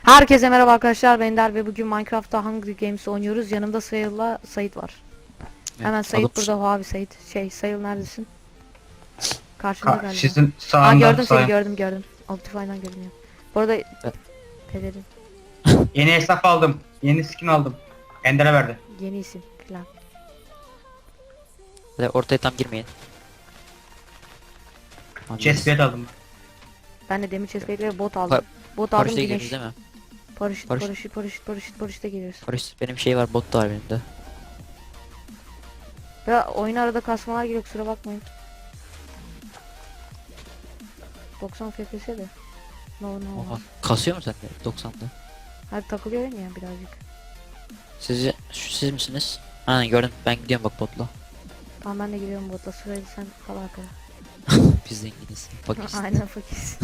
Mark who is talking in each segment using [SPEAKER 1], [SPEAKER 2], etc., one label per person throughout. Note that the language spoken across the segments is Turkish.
[SPEAKER 1] Herkese merhaba arkadaşlar, ben Der ve bugün Minecraft'ta Hunger Games oynuyoruz. Yanımda Sayıl'la Sait var. Hemen Sait burada. Abi Sait. Sayıl neredesin? Karşında galiba.
[SPEAKER 2] Sizin
[SPEAKER 1] Aa,
[SPEAKER 2] sağında
[SPEAKER 1] gördüm seni,
[SPEAKER 2] sağ.
[SPEAKER 1] gördüm. Optifine'dan görünüyor. Bu arada pelerin
[SPEAKER 2] Yeni hesap aldım. Yeni skin aldım. Ender'e verdi.
[SPEAKER 1] yeni isim falan.
[SPEAKER 3] Ve ortaya tam girmeyin. Abi,
[SPEAKER 2] Chestplate aldım.
[SPEAKER 1] Ben de demir chestplate ve bot aldım. Bot aldım,
[SPEAKER 3] paraşütle
[SPEAKER 1] güneş.
[SPEAKER 3] giriyoruz değil mi?
[SPEAKER 1] Paraşütle geliyoruz.
[SPEAKER 3] Paraşüt benim şey var, bot da var benim de.
[SPEAKER 1] Ya oyun arada kasmalar geliyor, kusura bakmayın. 90 FPS de. No
[SPEAKER 3] Oha.
[SPEAKER 1] olmaz.
[SPEAKER 3] Kasıyor mu sende 90'da?
[SPEAKER 1] Hadi takılıyor ya birazcık.
[SPEAKER 3] Siz misiniz? Aynen gördüm, ben gidiyorum bak botla.
[SPEAKER 1] Tamam, ben de giriyorum botla, sırayla sen kal arkada.
[SPEAKER 3] Biz zenginiz. Bak işte.
[SPEAKER 1] Aynen, fakiriz.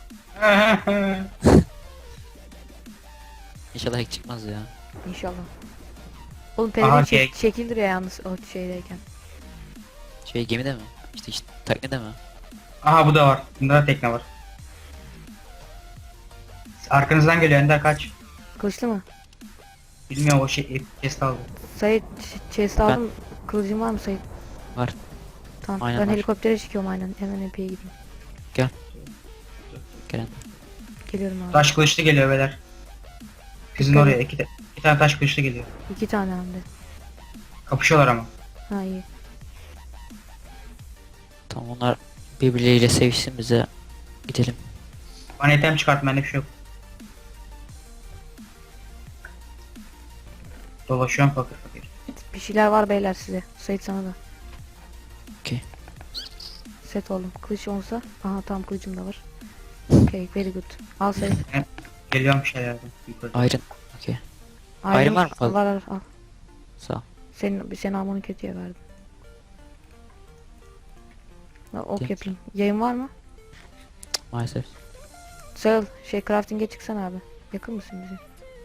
[SPEAKER 3] İnşallah hack çıkmaz ya.
[SPEAKER 1] İnşallah. Oğlum
[SPEAKER 2] Aha,
[SPEAKER 1] pelerin
[SPEAKER 2] şey.
[SPEAKER 1] çekilir ya yalnız o şeydeyken.
[SPEAKER 3] Şey gemide mi? İşte teknede mi?
[SPEAKER 2] Aha, bu da var. Bunda da tekne var. Arkanızdan geliyor Ender, kaç.
[SPEAKER 1] Kılıçlı mı?
[SPEAKER 2] Bilmiyorum, o chest aldı.
[SPEAKER 1] Sait chest aldım. Kılıcın var mı Sait?
[SPEAKER 3] Var.
[SPEAKER 1] Tamam,
[SPEAKER 3] Aynen
[SPEAKER 1] ben
[SPEAKER 3] var.
[SPEAKER 1] helikoptere çıkıyorum aynen. Hemen epeye gideyim.
[SPEAKER 3] Gelen.
[SPEAKER 1] Geliyorum abi.
[SPEAKER 2] Taş kılıçlı geliyor beyler. Sizin
[SPEAKER 1] Dikkat
[SPEAKER 2] oraya
[SPEAKER 1] et.
[SPEAKER 2] iki tane taş kılıçlı geliyor.
[SPEAKER 1] 2 tane hem de.
[SPEAKER 2] Kapışıyorlar ama.
[SPEAKER 1] Ha, iyi.
[SPEAKER 3] Tamam, onlar birbirleriyle sevişsin, bize gidelim.
[SPEAKER 2] Bana item çıkartma, bende bir şey yok. Dolaşıyorum fakir fakir.
[SPEAKER 1] Bir şeyler var beyler size. Sait sana da.
[SPEAKER 3] Okey.
[SPEAKER 1] Set oldum. Kılıç olsa. Aha, tamam, kılıcım da var. Okay, very good. Al Sait.
[SPEAKER 2] Geliyorum bir şeylerden. Yukarı.
[SPEAKER 3] Iron. Okey. Ayrım var mı? Al.
[SPEAKER 1] Var al.
[SPEAKER 3] Sağ ol.
[SPEAKER 1] Senin almanı kötüye verdim. Ok
[SPEAKER 3] Thanks.
[SPEAKER 1] yapayım. Yayın var mı?
[SPEAKER 3] Maalesef.
[SPEAKER 1] Sağ crafting'e çıksana abi. Yakın mısın bize?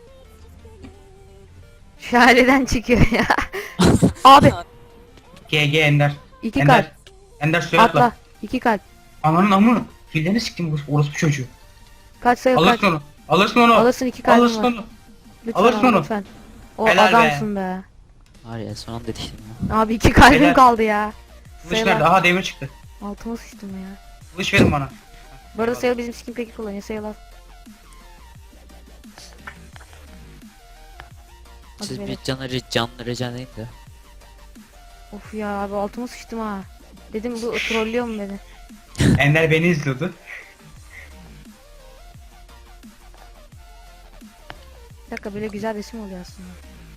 [SPEAKER 1] Şahaleden çıkıyor ya. Abi
[SPEAKER 2] GG Ender.
[SPEAKER 1] 2
[SPEAKER 2] Ender.
[SPEAKER 1] kalp.
[SPEAKER 2] Ender suya atla.
[SPEAKER 1] Atla. 2 kalp.
[SPEAKER 2] Ananın amı. Fillerini siktim, orospu çocuğu.
[SPEAKER 1] Kaç sayı kaç.
[SPEAKER 2] Alırsın onu. Alırsın onu.
[SPEAKER 1] Alırsın, 2 kalbim
[SPEAKER 2] Alırsın
[SPEAKER 1] var.
[SPEAKER 2] onu.
[SPEAKER 1] Lütfen
[SPEAKER 2] alırsın
[SPEAKER 1] abi,
[SPEAKER 2] onu.
[SPEAKER 1] lütfen. O
[SPEAKER 2] Helal be.
[SPEAKER 1] adamsın be.
[SPEAKER 3] Var ya, son anda yetiştim ya.
[SPEAKER 1] Abi 2 kalbim
[SPEAKER 2] Helal.
[SPEAKER 1] kaldı ya.
[SPEAKER 2] Kılıç
[SPEAKER 1] Sayılar.
[SPEAKER 2] nerede? Aha, demir çıktı.
[SPEAKER 1] Altıma sıçtım ya.
[SPEAKER 2] Kılıç verin bana.
[SPEAKER 1] Bu arada Sayıl bizim skin peki kullanıyor. Sayıl al. Hadi
[SPEAKER 3] Siz
[SPEAKER 1] verin.
[SPEAKER 3] bir canlı rica edin de.
[SPEAKER 1] Of ya abi, altıma sıçtım ha. Dedim bu trollüyor mu beni?
[SPEAKER 2] Ender beni izliyordu.
[SPEAKER 1] Bir dakika, böyle güzel resim oluyor aslında.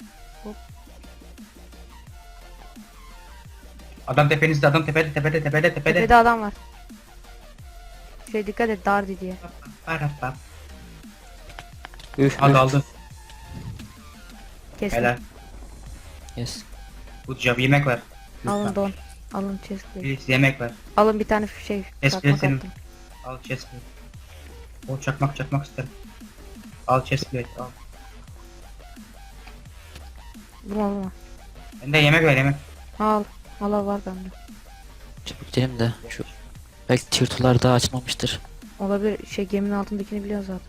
[SPEAKER 2] Adam tepenizde, adam tepede.
[SPEAKER 1] Tepede adam var. Dikkat et, Dardi diye.
[SPEAKER 2] Parapap.
[SPEAKER 3] Üf.
[SPEAKER 2] Hadi aldı.
[SPEAKER 1] Kestim.
[SPEAKER 2] Helal.
[SPEAKER 3] Yes.
[SPEAKER 2] Bu job, yemek ver.
[SPEAKER 1] Alın
[SPEAKER 2] Lütfen.
[SPEAKER 1] don. Alın chestplate.
[SPEAKER 2] Please, yemek ver.
[SPEAKER 1] Alın bir tane şey.
[SPEAKER 2] Chestplate
[SPEAKER 1] Çakmak
[SPEAKER 2] senin.
[SPEAKER 1] attım.
[SPEAKER 2] Al chestplate. O çakmak isterim. Al chestplate, al.
[SPEAKER 1] Vurma.
[SPEAKER 2] Ender yemek ver, yemek.
[SPEAKER 1] Al. Al var bende.
[SPEAKER 3] Çabuk gidelim de şu belki tırtılar daha açılmamıştır.
[SPEAKER 1] Olabilir, geminin altındakini biliyor zaten.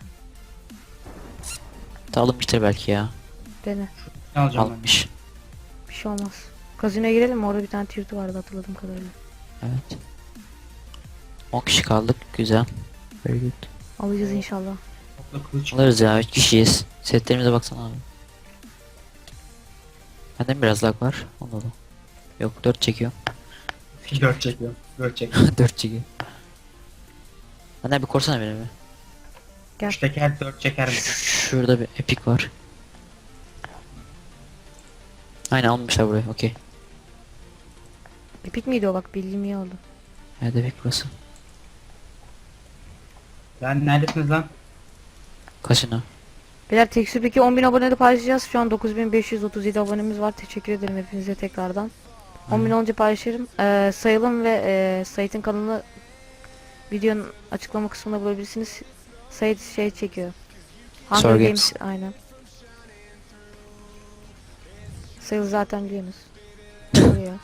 [SPEAKER 3] Da alınmıştır belki ya.
[SPEAKER 1] Dene.
[SPEAKER 2] Ne alacağım ben?
[SPEAKER 3] Alınmış.
[SPEAKER 1] Bir şey olmaz. Kazinoya girelim mi? Orada bir tane tirti vardı hatırladığım kadarıyla.
[SPEAKER 3] Evet. 10 kişi kaldık. Güzel. Very good.
[SPEAKER 1] Alacağız inşallah.
[SPEAKER 2] Topla kılıç.
[SPEAKER 3] Alırız ya, 3 kişiyiz. Setlerimize baksana abi. Bende mi biraz lag var? Onda da. Yok, 4 çekiyor.
[SPEAKER 2] 4 çekiyor. 4 çek.
[SPEAKER 3] 4 çekiyor. Benden bir korsana beni bir.
[SPEAKER 1] Gel.
[SPEAKER 2] 3 teker 4 çeker mi?
[SPEAKER 3] Şurada bir epic var. Aynen almışlar burayı, okey.
[SPEAKER 1] Epik miydi o, bak bildiğim iyi oldu.
[SPEAKER 3] Evet, epic burası.
[SPEAKER 2] Lan neredesiniz lan?
[SPEAKER 3] Kaçına?
[SPEAKER 1] Beyler Tekstür peki 10.000 abonede paylaşacağız. Şu an 9.537 abonemiz var. Teşekkür ederim hepinize tekrardan. 10.000 olunca paylaşırım. Sayılım ve Sait'in kanalını videonun açıklama kısmında bulabilirsiniz. Sait şey çekiyor. Hunger
[SPEAKER 3] Sor
[SPEAKER 1] Games.
[SPEAKER 3] Games.
[SPEAKER 1] Aynen. Sayıl zaten biliyorsunuz. Oluyor.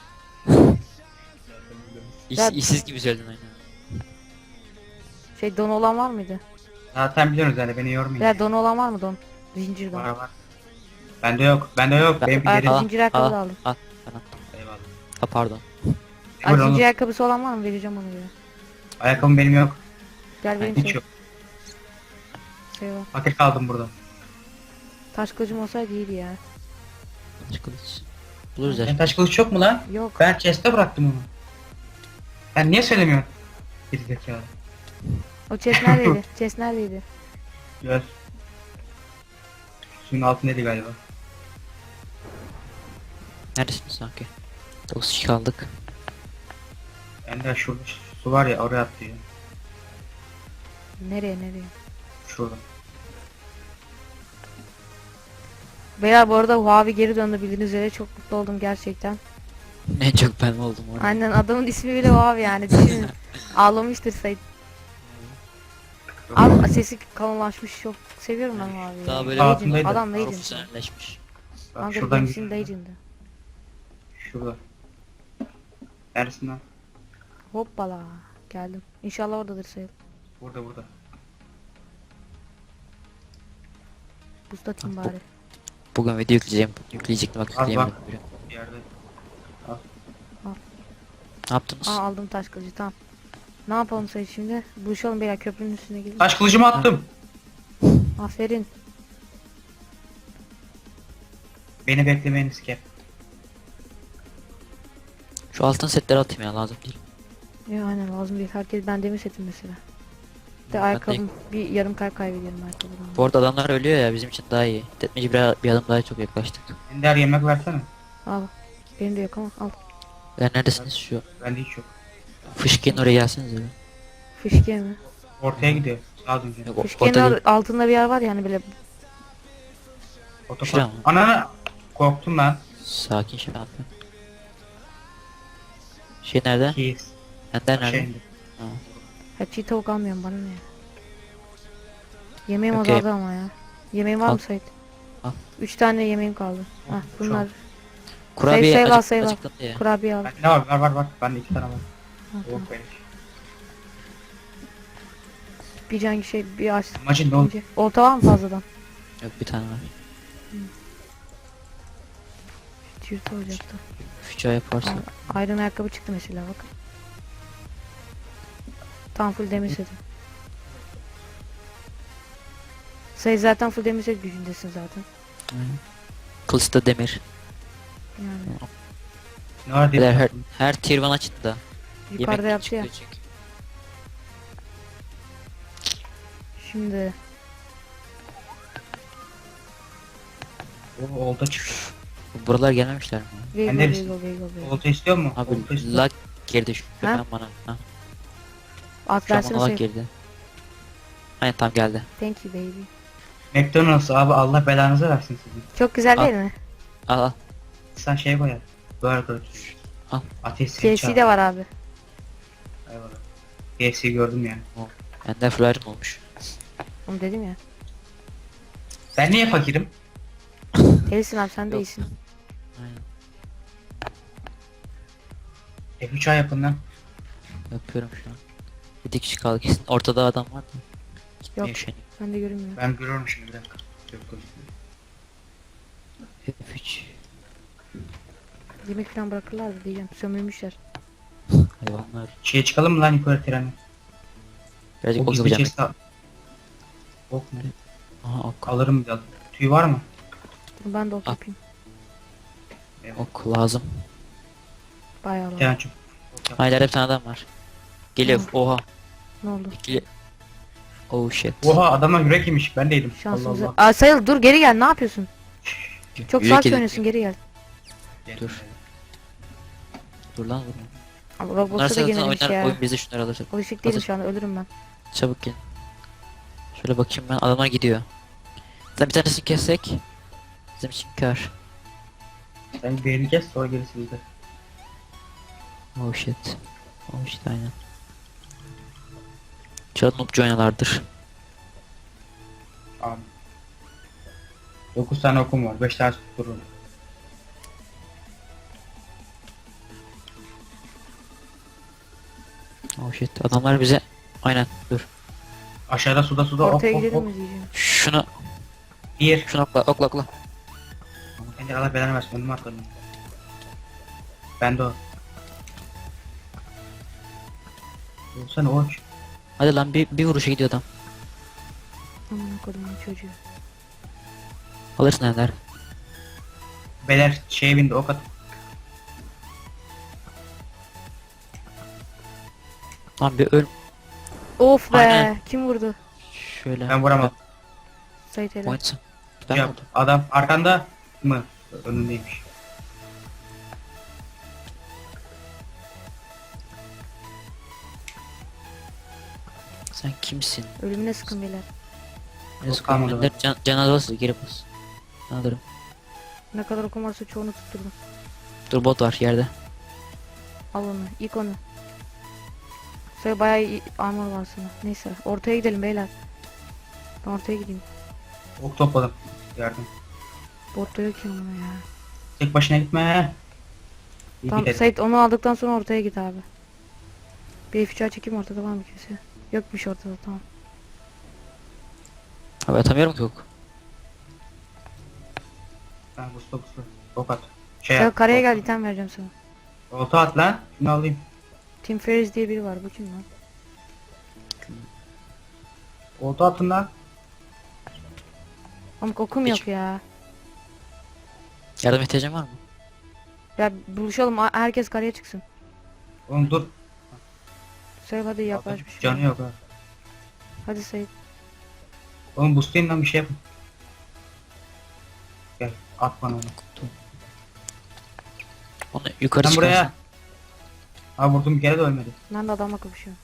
[SPEAKER 1] Ya-
[SPEAKER 3] İşsiz gibi söyledin aynen.
[SPEAKER 1] Don olan var mıydı?
[SPEAKER 2] Zaten biliyorsunuz yani beni yormayın.
[SPEAKER 1] Beyler don olan var mı don? Zincir don.
[SPEAKER 2] Var var. Bende yok. Bende yok. Benim bir
[SPEAKER 1] Ayakkabı
[SPEAKER 2] yeri.
[SPEAKER 1] zincir ayakkabı da aldım.
[SPEAKER 3] Al. Tamam.
[SPEAKER 2] Eyvallah.
[SPEAKER 3] Ha, pardon.
[SPEAKER 1] Ay,
[SPEAKER 2] Buyurun
[SPEAKER 1] zincir
[SPEAKER 2] oğlum.
[SPEAKER 1] ayakkabısı olan var mı? Vereceğim onu bir.
[SPEAKER 2] Ayakkabım benim yok.
[SPEAKER 1] Gel benim
[SPEAKER 2] Hiç
[SPEAKER 1] şey.
[SPEAKER 2] yok.
[SPEAKER 1] Şey var.
[SPEAKER 2] Fakir kaldım burada.
[SPEAKER 1] Taş kılıcım olsaydı iyiydi ya.
[SPEAKER 3] Taş kılıç. Buluruz ya.
[SPEAKER 2] Senin taş kılıç yok mu lan?
[SPEAKER 1] Yok.
[SPEAKER 2] Ben chest'e bıraktım onu. Sen niye söylemiyorsun? Gerizekalı.
[SPEAKER 1] O chest neredeydi? Chest neredeydi?
[SPEAKER 2] Gel. Suyun altındaydı galiba.
[SPEAKER 3] Neredesiniz sanki? 9 kişi kaldık.
[SPEAKER 2] Bende şurada su var ya oraya atlıyor.
[SPEAKER 1] Nereye?
[SPEAKER 2] Şurada.
[SPEAKER 1] Beyler bu arada Huawei geri döndü bildiğiniz üzere çok mutlu oldum gerçekten.
[SPEAKER 3] En çok ben oldum orada.
[SPEAKER 1] Aynen adamın ismi bile Huawei yani düşünün. Ağlamıştır Sait. Abi sesi kalınlaşmış çok seviyorum ben Huawei'yi.
[SPEAKER 3] Daha böyle
[SPEAKER 1] Legend,
[SPEAKER 2] altındaydı.
[SPEAKER 1] adam Legend.
[SPEAKER 3] Profesyonelleşmiş.
[SPEAKER 2] Bak
[SPEAKER 1] Kanka
[SPEAKER 2] şuradan
[SPEAKER 1] Games'in
[SPEAKER 2] gidiyor.
[SPEAKER 1] Legend'ı.
[SPEAKER 2] Şurada. Neresin lan?
[SPEAKER 1] Hoppala geldim. İnşallah oradadır Sait.
[SPEAKER 2] Burada.
[SPEAKER 1] Buz atayım bari.
[SPEAKER 3] Bugün video yükleyeceğim. Yükleyecektim bak
[SPEAKER 2] Al
[SPEAKER 3] yükleyemedim.
[SPEAKER 2] bak.
[SPEAKER 3] bile.
[SPEAKER 2] Bir yerde.
[SPEAKER 3] Ne yaptınız?
[SPEAKER 1] Aa aldım taş kılıcı tamam. Ne yapalım Sait şimdi? Buluşalım beyler köprünün üstüne gidin.
[SPEAKER 2] Taş kılıcımı attım.
[SPEAKER 1] Aferin.
[SPEAKER 2] Beni beklemeyiniz ki.
[SPEAKER 3] Şu altın setleri atayım ya, lazım değil.
[SPEAKER 1] Ya aynen lazım değil. Herkes ben demir setim mesela. De
[SPEAKER 3] Ben de-
[SPEAKER 1] ayakkabım bir yarım kalp kaybediyorum ayakkabıdan.
[SPEAKER 3] Bu arada adamlar ölüyor ya, bizim için daha iyi. Tetmeci bir adım daha çok yaklaştık.
[SPEAKER 2] Ender yemek versene.
[SPEAKER 1] Al. Benim de yok ama al.
[SPEAKER 3] Ya neredesiniz şu?
[SPEAKER 2] Bende hiç yok.
[SPEAKER 3] Fışkın oraya gelseniz öyle.
[SPEAKER 1] Fışkiye mi?
[SPEAKER 2] Ortaya gidiyor. Sağa dönüyor.
[SPEAKER 3] Yok,
[SPEAKER 1] Fışkiyenin altında bir yer var yani böyle.
[SPEAKER 3] Şuraya
[SPEAKER 2] Otopark.
[SPEAKER 3] mı?
[SPEAKER 2] Ana! Korktum lan.
[SPEAKER 3] Sakin şey yapın. Şey nerede?
[SPEAKER 2] Keys.
[SPEAKER 3] Ender nerede?
[SPEAKER 2] Şey,
[SPEAKER 3] Ha.
[SPEAKER 1] Hep çiğ tavuk almıyorum bana ne ya. Yemeğim
[SPEAKER 3] Okey.
[SPEAKER 1] azaldı ama ya. Yemeğim var
[SPEAKER 3] Al.
[SPEAKER 1] mı Sait?
[SPEAKER 3] Al.
[SPEAKER 1] 3 tane yemeğim kaldı. Hah bunlar.
[SPEAKER 3] Kurabiye
[SPEAKER 1] Sayı al,
[SPEAKER 3] acık,
[SPEAKER 1] sayı al.
[SPEAKER 3] acıktım diye.
[SPEAKER 1] Kurabiye al.
[SPEAKER 2] ne var? Var. Bende 2 tane var.
[SPEAKER 1] Ha, tamam.
[SPEAKER 2] Yok benim.
[SPEAKER 1] Bir can şey bir aç.
[SPEAKER 2] Amacın ne oldu?
[SPEAKER 1] Olta var mı fazladan?
[SPEAKER 3] Yok, bir tane var.
[SPEAKER 1] Çift olacaktı.
[SPEAKER 3] Füça yaparsa.
[SPEAKER 1] Iron ayakkabı çıktı mesela bak. Tam full demir setim. Sayı zaten full demir set gücündesin zaten.
[SPEAKER 3] Aynen. Kılıçta demir.
[SPEAKER 1] Yani
[SPEAKER 2] Ne var
[SPEAKER 3] Beyler,
[SPEAKER 2] diye.
[SPEAKER 3] her tier 1 açın da.
[SPEAKER 1] yukarıda
[SPEAKER 3] Yemek
[SPEAKER 1] yaptı ya.
[SPEAKER 3] çıkıyor çünkü.
[SPEAKER 1] Şimdi
[SPEAKER 2] O olta çıktı.
[SPEAKER 3] Buralar gelmemişler mi?
[SPEAKER 1] Vego
[SPEAKER 2] neresin?
[SPEAKER 1] Vego.
[SPEAKER 2] Olta istiyor mu?
[SPEAKER 3] Abi
[SPEAKER 2] Olta istiyor.
[SPEAKER 3] lag girdi şu
[SPEAKER 1] Ha?
[SPEAKER 3] ben bana. Ha.
[SPEAKER 1] At
[SPEAKER 3] Şu an
[SPEAKER 1] versene
[SPEAKER 3] bana lag
[SPEAKER 1] sayı.
[SPEAKER 3] girdi. Aynen tam geldi.
[SPEAKER 1] Thank you baby.
[SPEAKER 2] McDonald's abi Allah belanızı versin sizin.
[SPEAKER 1] Çok güzel
[SPEAKER 3] Al.
[SPEAKER 1] değil mi?
[SPEAKER 3] Al al.
[SPEAKER 2] Sen şey koyar. Burger.
[SPEAKER 3] Al.
[SPEAKER 2] Ateş
[SPEAKER 1] KFC de var abi.
[SPEAKER 2] Eyvallah. KFC gördüm yani.
[SPEAKER 3] Ender Flyer'ım olmuş.
[SPEAKER 1] Onu dedim ya.
[SPEAKER 2] Ben niye fakirim?
[SPEAKER 1] Değilsin abi sen
[SPEAKER 3] Yok.
[SPEAKER 1] değilsin.
[SPEAKER 3] Aynen.
[SPEAKER 2] F3 yapın lan.
[SPEAKER 3] Yapıyorum şu an. Bir kişi kaldı kesin. Ortada adam var mı? Gitmeye
[SPEAKER 1] Yok.
[SPEAKER 3] üşeniyor.
[SPEAKER 1] Ben de görünmüyor.
[SPEAKER 2] Ben görüyorum şimdi bir dakika. Yok, yok.
[SPEAKER 3] F3.
[SPEAKER 1] Yemek falan bırakırlar da diyeceğim. Sömürmüşler.
[SPEAKER 3] Hayvanlar.
[SPEAKER 2] Şeye çıkalım mı lan yukarı treni?
[SPEAKER 3] Birazcık
[SPEAKER 2] O
[SPEAKER 3] ok
[SPEAKER 2] gizli
[SPEAKER 3] yapacağım.
[SPEAKER 2] chest al. Ok mu?
[SPEAKER 3] Aha ok.
[SPEAKER 2] Alırım biraz. Tüy var mı?
[SPEAKER 1] Dur ben de ok
[SPEAKER 3] Al.
[SPEAKER 1] yapayım.
[SPEAKER 3] Ok lazım.
[SPEAKER 1] Bayağı
[SPEAKER 2] Bir
[SPEAKER 1] var.
[SPEAKER 2] tane çok. Ok yap.
[SPEAKER 3] Hayır, bir tane adam var. Geliyor.
[SPEAKER 1] Hı.
[SPEAKER 3] Oha.
[SPEAKER 1] Ne oldu?
[SPEAKER 3] İkili. Oh shit.
[SPEAKER 2] Oha adamlar yürek yemiş. Ben değilim. Allah
[SPEAKER 1] Şansımıza.
[SPEAKER 2] Allah.
[SPEAKER 1] Aa Sayıl dur geri gel ne yapıyorsun? Çok
[SPEAKER 3] Yürek
[SPEAKER 1] sakin
[SPEAKER 3] edin.
[SPEAKER 1] oynuyorsun geri gel.
[SPEAKER 3] Dur. Dur lan vurma.
[SPEAKER 1] Abi
[SPEAKER 3] Bunlar
[SPEAKER 1] Roblox'a da
[SPEAKER 3] zaten
[SPEAKER 1] girmemiş
[SPEAKER 3] oynar,
[SPEAKER 1] ya.
[SPEAKER 3] oyun bizi şunları alır.
[SPEAKER 1] Alışık değilim
[SPEAKER 3] Hazır.
[SPEAKER 1] şu anda ölürüm ben.
[SPEAKER 3] Çabuk gel. Şöyle bakayım ben, adamlar gidiyor. Zaten bir tanesini kessek bizim için kar.
[SPEAKER 2] Sen birini kes sonra gerisi bizde.
[SPEAKER 3] Oh shit. Oh shit aynen. Çağat noobcu oynalardır.
[SPEAKER 2] Abi. 9 tane okum var. 5 tane tuttururum.
[SPEAKER 3] Oh shit, adamlar bize aynen dur.
[SPEAKER 2] Aşağıda suda
[SPEAKER 1] Ortaya
[SPEAKER 2] ok ok
[SPEAKER 1] gidelim
[SPEAKER 2] ok.
[SPEAKER 1] mi diyeceğim.
[SPEAKER 3] Şunu
[SPEAKER 2] Bir.
[SPEAKER 3] şunu okla okla okla.
[SPEAKER 2] Ender Allah belanı versin önüme atladım. Ben de o. Olsana oç.
[SPEAKER 3] Hadi lan bir vuruşa gidiyor adam.
[SPEAKER 1] Aman kodumun çocuğu.
[SPEAKER 3] Alırsın Ender.
[SPEAKER 2] Beler şeye bindi ok at.
[SPEAKER 3] Lan bir öl.
[SPEAKER 1] Of be.
[SPEAKER 3] Aynen.
[SPEAKER 1] Kim vurdu?
[SPEAKER 3] Şöyle.
[SPEAKER 2] Ben vuramam.
[SPEAKER 1] Sait helal.
[SPEAKER 3] Point. Ben
[SPEAKER 2] Yap.
[SPEAKER 3] vurdum.
[SPEAKER 2] Adam arkanda mı? Önündeymiş.
[SPEAKER 3] Sen kimsin?
[SPEAKER 1] Ölümüne sıkın beyler.
[SPEAKER 3] Neyse
[SPEAKER 2] kalmadı
[SPEAKER 3] Ender can alırsa geri bas. Ben alırım.
[SPEAKER 1] Ne kadar okum varsa çoğunu tutturdum.
[SPEAKER 3] Dur bot var yerde.
[SPEAKER 1] Al onu. İlk onu. Sonra bayağı iyi armor var sana. Neyse. Ortaya gidelim beyler. Ben ortaya gideyim.
[SPEAKER 2] Ok topladım. Yardım.
[SPEAKER 1] Botta yok ya ona ya.
[SPEAKER 2] Tek başına gitme. İyi
[SPEAKER 1] Tamam
[SPEAKER 2] gidelim.
[SPEAKER 1] Sait onu aldıktan sonra ortaya git abi. Bir F3'e çekeyim, ortada var mı kimse? Yokmuş ortada, tamam.
[SPEAKER 3] Abi atamıyorum ki yok.
[SPEAKER 2] Ben busla. Ok at. Şey
[SPEAKER 1] Sen
[SPEAKER 2] yap.
[SPEAKER 1] karaya gel, item vereceğim sana.
[SPEAKER 2] Olta at lan. Şunu alayım.
[SPEAKER 1] Tim Ferriss diye biri var, bu kim lan?
[SPEAKER 2] Olta atın lan.
[SPEAKER 1] Ama okum
[SPEAKER 3] Hiç.
[SPEAKER 1] yok ya.
[SPEAKER 3] Yardım ihtiyacın var mı?
[SPEAKER 1] Ya buluşalım, herkes karaya çıksın.
[SPEAKER 2] Oğlum dur.
[SPEAKER 1] Söyle hadi yaklaş bir şey.
[SPEAKER 2] Canı yok ha.
[SPEAKER 1] Hadi Sait.
[SPEAKER 2] Oğlum boostlayın lan bir şey yapın. Gel at bana onu.
[SPEAKER 3] Onu yukarı
[SPEAKER 2] Sen
[SPEAKER 3] çıkarsın.
[SPEAKER 2] buraya. Ha vurdum bir kere de ölmedi.
[SPEAKER 1] Ben de adamla kapışıyorum.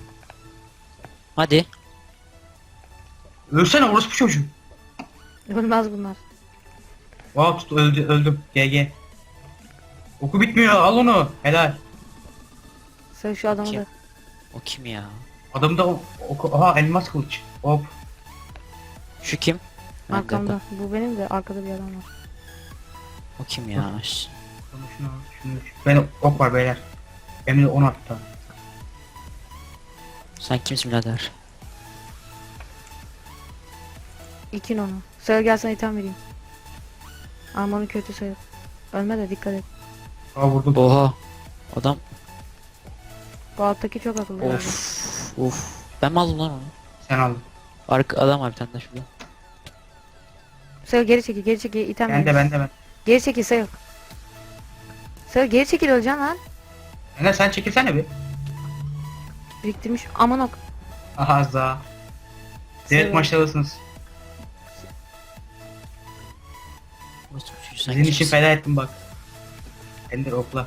[SPEAKER 3] Hadi.
[SPEAKER 2] Ölsene orospu çocuğu.
[SPEAKER 1] Ölmez bunlar.
[SPEAKER 2] Wow tut öldüm. GG. Oku bitmiyor al onu. Helal.
[SPEAKER 1] Söyle şu adamı
[SPEAKER 3] Kim?
[SPEAKER 1] da.
[SPEAKER 3] O kim ya?
[SPEAKER 2] Adamda oku. Aha elmas kılıç. Hop.
[SPEAKER 3] Şu kim?
[SPEAKER 1] Arkamda. Bu benim de, arkada bir adam var.
[SPEAKER 3] O kim ya?
[SPEAKER 2] Şunu. Ben ok var beyler. Benim de 10 attı.
[SPEAKER 3] Sen kimsin birader?
[SPEAKER 1] İkin onu. Söyle gel sana item vereyim. Armanın kötü sayı. Ölme de dikkat et.
[SPEAKER 2] Aa vurdum.
[SPEAKER 3] Oha. Adam
[SPEAKER 1] Bu alttaki çok akıllı. yani.
[SPEAKER 3] of. Ben mi aldım lan onu?
[SPEAKER 2] Sen aldın.
[SPEAKER 3] Arka adam var bir tane de şurada.
[SPEAKER 1] Söyle geri çekil, geri çekil, item
[SPEAKER 2] Ben
[SPEAKER 1] vereyim.
[SPEAKER 2] de ben.
[SPEAKER 1] Geri çekil Sayıl. Sayıl geri çekil, öleceksin lan.
[SPEAKER 2] Enes sen çekilsene bir.
[SPEAKER 1] Biriktirmiş. Aman ok.
[SPEAKER 2] Aha za. Direkt
[SPEAKER 1] Sayıl.
[SPEAKER 2] maçtalısınız.
[SPEAKER 3] Sen
[SPEAKER 2] Sizin için
[SPEAKER 3] kimsin?
[SPEAKER 2] feda ettim bak. Ender okla.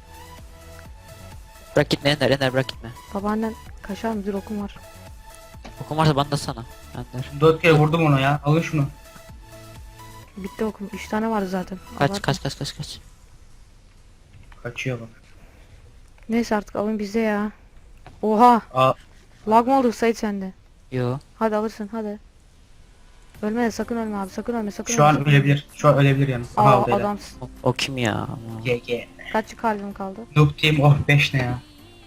[SPEAKER 3] Bırak gitme Ender bırak gitme.
[SPEAKER 1] Babaannen kaşar mı? Dur, okum var.
[SPEAKER 3] Okum varsa bana da sana. Ender.
[SPEAKER 2] 4 kere vurdum onu ya. Alın şunu.
[SPEAKER 1] Bitti okum. 3 tane vardı zaten.
[SPEAKER 3] Kaç
[SPEAKER 1] Abartma.
[SPEAKER 3] kaç.
[SPEAKER 2] Kaçıyor bak.
[SPEAKER 1] Neyse artık alın bizde ya. Oha.
[SPEAKER 2] Aa
[SPEAKER 1] Lag mı oldu Sait sende?
[SPEAKER 3] Yo.
[SPEAKER 1] Hadi alırsın hadi. Ölme de, sakın ölme abi, sakın ölme, sakın
[SPEAKER 2] şu
[SPEAKER 1] ölme,
[SPEAKER 2] an
[SPEAKER 1] sakın
[SPEAKER 2] ölebilir. Şu an ölebilir yani. Aha
[SPEAKER 1] Aa
[SPEAKER 2] aldı hele.
[SPEAKER 1] adamsın.
[SPEAKER 3] O kim ya?
[SPEAKER 2] GG.
[SPEAKER 1] Kaç kalbim kaldı?
[SPEAKER 2] Noob team oh 5 ne ya.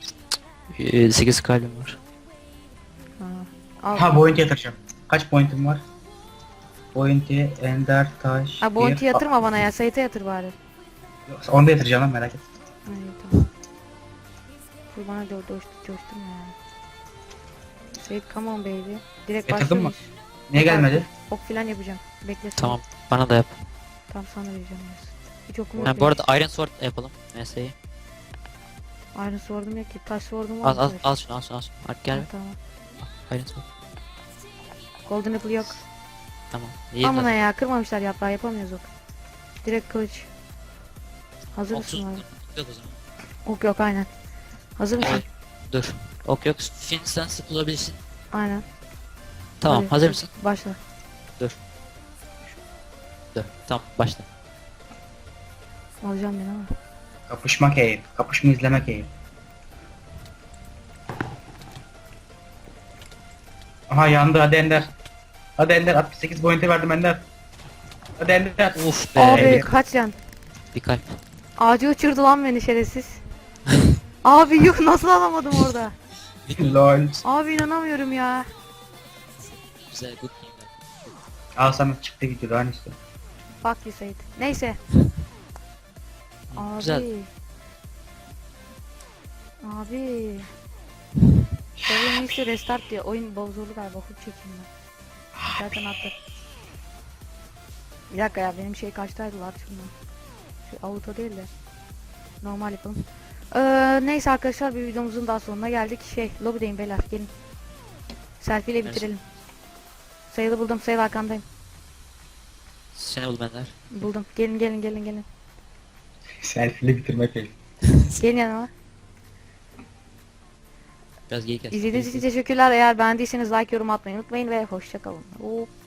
[SPEAKER 3] 8 kalbim var.
[SPEAKER 1] Ha. Al.
[SPEAKER 2] Ha bounty yatıracağım. Kaç pointim var? Bounty, ender, taş.
[SPEAKER 1] Ha bounty
[SPEAKER 2] bir-
[SPEAKER 1] yatırma bana ya, Sait'e yatır bari.
[SPEAKER 2] Yoksa onu da yatıracağım lan merak et.
[SPEAKER 1] Ha, iyi tamam. Dur bana coşturma ya. Sait come on baby. Direkt
[SPEAKER 2] Yatırdın mı?
[SPEAKER 1] başlıyoruz.
[SPEAKER 2] Niye gelmedi?
[SPEAKER 1] Ok filan yapacağım. Bekle Sait.
[SPEAKER 3] Tamam. Bana da yap.
[SPEAKER 1] Tamam sana vereceğim. biraz. Hiç okum yok.
[SPEAKER 3] Ha, bu arada Iron Sword yapalım. Mesleği.
[SPEAKER 1] Iron sword'um yok ki. Taş sword'um var.
[SPEAKER 3] Al şunu. Artık gel.
[SPEAKER 1] Tamam.
[SPEAKER 3] Iron Sword.
[SPEAKER 1] Golden apple yok.
[SPEAKER 3] Tamam. İyi
[SPEAKER 1] Amına
[SPEAKER 3] mi?
[SPEAKER 1] ya, kırmamışlar yaprağı, yapamıyoruz ok. Direkt kılıç. Hazır
[SPEAKER 3] 30
[SPEAKER 1] mısın abi?
[SPEAKER 3] yok o zaman.
[SPEAKER 1] Ok yok aynen. Hazır mısın?
[SPEAKER 3] Evet. Dur. Ok yok. Finsten sık bulabilirsin.
[SPEAKER 1] Aynen.
[SPEAKER 3] Tamam.
[SPEAKER 1] Hadi,
[SPEAKER 3] Hazır mısın?
[SPEAKER 1] Başla.
[SPEAKER 3] Dur. Tamam. Başla.
[SPEAKER 1] Alacağım beni ama.
[SPEAKER 2] Kapışmak eğil. Kapışma izlemek eğil. Aha yandı hadi ender. Hadi ender 68 bounty verdim ender. Hadi ender.
[SPEAKER 3] Uf be.
[SPEAKER 1] Abi kaç yan?
[SPEAKER 3] Bir kalp.
[SPEAKER 1] Ağacı uçurdu lan beni şerefsiz. Abi yuh, nasıl alamadım orada?
[SPEAKER 2] Lol.
[SPEAKER 1] Abi inanamıyorum ya.
[SPEAKER 3] Güzel good game.
[SPEAKER 2] Al sana çıktı video daha ne istiyorsun?
[SPEAKER 1] Fuck you Sait. Neyse. Abi.
[SPEAKER 3] Güzel.
[SPEAKER 1] Abi. Seven Mix'i restart diyor. Oyun bozuldu galiba. Hook çekeyim ben. Zaten attı. Bir dakika ya benim şey kaçtaydı lan şundan. Şu auto değil de. Normal yapalım. Neyse arkadaşlar bir videomuzun daha sonuna geldik. Lobideyim beyler gelin. Selfie ile bitirelim. Sayılı buldum. Sayılı arkandayım.
[SPEAKER 3] Seni bul benler.
[SPEAKER 1] Buldum. Gelin.
[SPEAKER 2] Selfie'li bitirmek değil.
[SPEAKER 1] Gelin yanıma.
[SPEAKER 3] Biraz geyik et.
[SPEAKER 1] İzlediğiniz için teşekkürler. Eğer beğendiyseniz like yorum atmayı unutmayın ve hoşça kalın.